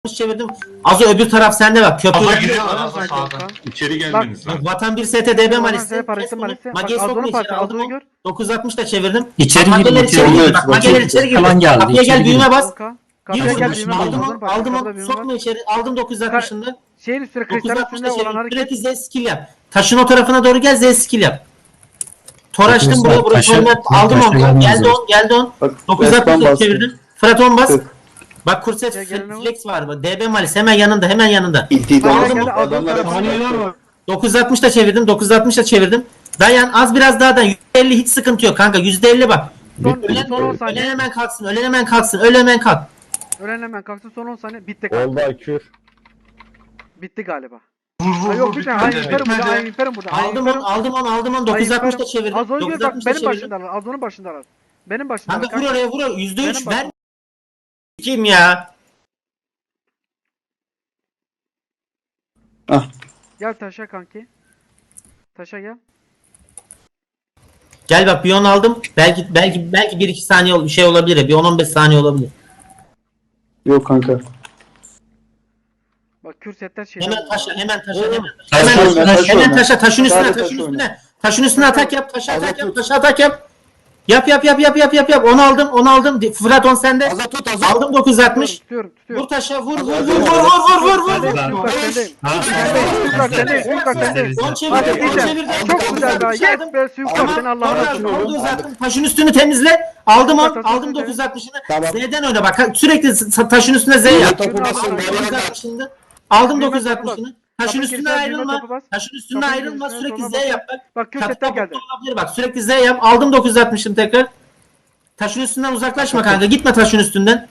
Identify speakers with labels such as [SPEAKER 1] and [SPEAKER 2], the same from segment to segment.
[SPEAKER 1] çevirdim. Az öbür taraf sende bak. Köprü.
[SPEAKER 2] Aha giriyorlar abi sağdan.
[SPEAKER 3] İçeri gelmeniz
[SPEAKER 1] Bak,
[SPEAKER 3] lazım.
[SPEAKER 1] Vatan 1 STDB Malis'te. Mage'yi sokma içeri aldım onu. 960 da çevirdim.
[SPEAKER 4] İçeri
[SPEAKER 1] Mageler
[SPEAKER 4] girdi,
[SPEAKER 1] içeri
[SPEAKER 4] içeri
[SPEAKER 1] girdi.
[SPEAKER 4] girdi.
[SPEAKER 1] Bak Mageler içeri girdi.
[SPEAKER 4] Falan geldi,
[SPEAKER 1] Kapıya
[SPEAKER 4] içeri
[SPEAKER 1] gel büyüme
[SPEAKER 4] girdi.
[SPEAKER 1] bas.
[SPEAKER 5] Kapıya gel
[SPEAKER 1] Yürü,
[SPEAKER 5] büyüme
[SPEAKER 1] aldım onu. Sokma içeri. Aldım 960'ını.
[SPEAKER 5] Şeyin üstüne kristalin
[SPEAKER 1] 960
[SPEAKER 5] üstünde
[SPEAKER 1] da
[SPEAKER 5] olan
[SPEAKER 1] çevir.
[SPEAKER 5] hareket.
[SPEAKER 1] Sürekli Z skill yap. Taşın o tarafına doğru gel Z skill yap. Tor açtım buraya
[SPEAKER 4] Taşa-
[SPEAKER 1] aldım
[SPEAKER 4] taşa
[SPEAKER 1] onu.
[SPEAKER 4] gelmez
[SPEAKER 1] Geldi on.
[SPEAKER 6] Bak,
[SPEAKER 1] 960
[SPEAKER 6] Fırat
[SPEAKER 1] çevirdim. Fırat 10 bas.
[SPEAKER 6] Tık.
[SPEAKER 1] Bak kurset
[SPEAKER 5] Gel, gel,
[SPEAKER 1] flex var. DB Malis hemen yanında.
[SPEAKER 6] İltiyi
[SPEAKER 5] Hayır,
[SPEAKER 6] aldım.
[SPEAKER 5] geldi, aldım
[SPEAKER 6] Adamlar
[SPEAKER 5] tarafı.
[SPEAKER 6] saniyeler var.
[SPEAKER 1] 960 da çevirdim. Dayan az biraz daha da %50 hiç sıkıntı yok kanka. %50 bak.
[SPEAKER 5] Son 10
[SPEAKER 1] Ölen
[SPEAKER 5] saniye.
[SPEAKER 1] hemen kalksın. Ölen hemen kalk.
[SPEAKER 5] Ölen hemen kalksın son 10 saniye. Bitti
[SPEAKER 6] Oldu
[SPEAKER 5] kanka.
[SPEAKER 6] Akür.
[SPEAKER 5] Bitti galiba.
[SPEAKER 2] Vur
[SPEAKER 5] Ha
[SPEAKER 2] vur
[SPEAKER 5] yok
[SPEAKER 2] vur
[SPEAKER 5] bitmedi. Hayır
[SPEAKER 2] bitmedi
[SPEAKER 5] İmperim burada. Hayır
[SPEAKER 2] bitmedi.
[SPEAKER 5] İmperim burada.
[SPEAKER 1] Aldım onu. 960 da çevirdim.
[SPEAKER 5] Az önce bak
[SPEAKER 1] 960 da
[SPEAKER 5] benim
[SPEAKER 1] çevirdim.
[SPEAKER 5] başındalar. Az onun başındalar. Benim başındalar.
[SPEAKER 1] Kanka vur oraya vur.
[SPEAKER 5] Benim
[SPEAKER 1] %3 ver.
[SPEAKER 5] başım.
[SPEAKER 1] Kim ya?
[SPEAKER 5] Gel taşa kanki. Taşa gel.
[SPEAKER 1] Gel bak bir 10 aldım. Belki 1-2 saniye şey olabilir. Bir 10-15 saniye olabilir.
[SPEAKER 6] Yok kanka.
[SPEAKER 5] Bak kürsetler şey.
[SPEAKER 1] Hemen taşa.
[SPEAKER 4] Taş
[SPEAKER 1] Hemen taşa. Taşın üstüne.
[SPEAKER 6] Sadece
[SPEAKER 1] Taşın
[SPEAKER 6] taş
[SPEAKER 1] üstüne. Taşın üstüne atak yap. Taşa atak yap.
[SPEAKER 6] Azat
[SPEAKER 1] Taşa atak yap. Yap. Onu aldım. Fırat 10 sende. Aldım 960.
[SPEAKER 5] Tutuyorum.
[SPEAKER 1] Vur taşa vur.
[SPEAKER 5] Bak sendeyim. Bak sendeyim.
[SPEAKER 1] Son
[SPEAKER 5] Hadi
[SPEAKER 1] çevirdim.
[SPEAKER 5] diyeceğim. Çok güzel daha. Yes be Suyuklar seni Allah'a emanet.
[SPEAKER 1] Taşın üstünü temizle. Aldım
[SPEAKER 5] Tamam.
[SPEAKER 1] 960'ını.
[SPEAKER 6] Tamam.
[SPEAKER 1] Z'den oyna bak. Sürekli taşın üstüne Z yap.
[SPEAKER 6] Topu basın.
[SPEAKER 1] 960'ını. Aldım
[SPEAKER 5] Büyüme
[SPEAKER 1] 960'ını. Taşın
[SPEAKER 5] Kapı
[SPEAKER 1] üstüne
[SPEAKER 5] girsen
[SPEAKER 1] ayrılma.
[SPEAKER 5] büyüme topu bas.
[SPEAKER 1] Taşın üstüne
[SPEAKER 5] Kapı
[SPEAKER 1] ayrılma.
[SPEAKER 5] girsen
[SPEAKER 1] Sürekli
[SPEAKER 5] sonra
[SPEAKER 1] Z
[SPEAKER 5] bas.
[SPEAKER 1] yap bak.
[SPEAKER 5] Bak kürsetler geldi.
[SPEAKER 1] Olabilir bak. Sürekli Z yap. Aldım 960'ını tekrar. Taşın üstünden uzaklaşma kanka. Gitme taşın üstünden.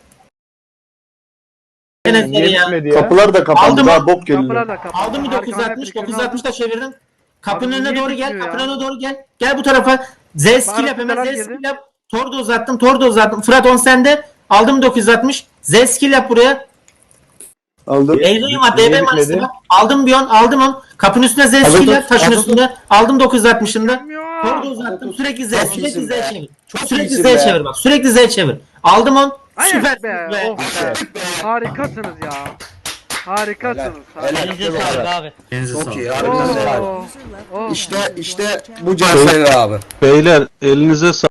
[SPEAKER 1] Gene Z ya.
[SPEAKER 6] Kapılar da kapandı.
[SPEAKER 1] Aldım.
[SPEAKER 6] Daha bok
[SPEAKER 5] Kapılar
[SPEAKER 6] geliyor.
[SPEAKER 5] da kapalı.
[SPEAKER 1] Aldım bir
[SPEAKER 5] Harika,
[SPEAKER 1] 960.
[SPEAKER 5] hep
[SPEAKER 1] 960 da çevirdim. Kapının
[SPEAKER 5] Abi
[SPEAKER 1] önüne
[SPEAKER 5] niye
[SPEAKER 1] doğru gel.
[SPEAKER 5] bitmiyor ya?
[SPEAKER 1] Kapının önüne doğru gel. Gel bu tarafa. Z skill
[SPEAKER 5] Bana
[SPEAKER 1] yap hemen. Z
[SPEAKER 5] fıtalar
[SPEAKER 1] skill
[SPEAKER 5] girdi.
[SPEAKER 1] yap. Tor da uzattım. Fırat 10 sende. Aldım 960. Z skill yap buraya.
[SPEAKER 6] Aldım.
[SPEAKER 1] Eylül'üm var. DB Manis'te bak. Aldım bir 10. Aldım 10. Kapının üstüne Z skill yap. Taşın üstünde. Aldım 960'ında. Tor da uzattım. Sürekli Z. Sürekli Z çevir. Sürekli Z çevir bak. Sürekli Z çevir. Aldım 10.
[SPEAKER 5] Hayır
[SPEAKER 1] Süper
[SPEAKER 5] be.
[SPEAKER 1] be.
[SPEAKER 5] Oh be. Harikasınız ya. Harikasınız.
[SPEAKER 7] Elinize sağlık abi.
[SPEAKER 4] Çok iyi.
[SPEAKER 5] Oh. Oh.
[SPEAKER 4] İşte bu cevherler abi.
[SPEAKER 8] Beyler elinize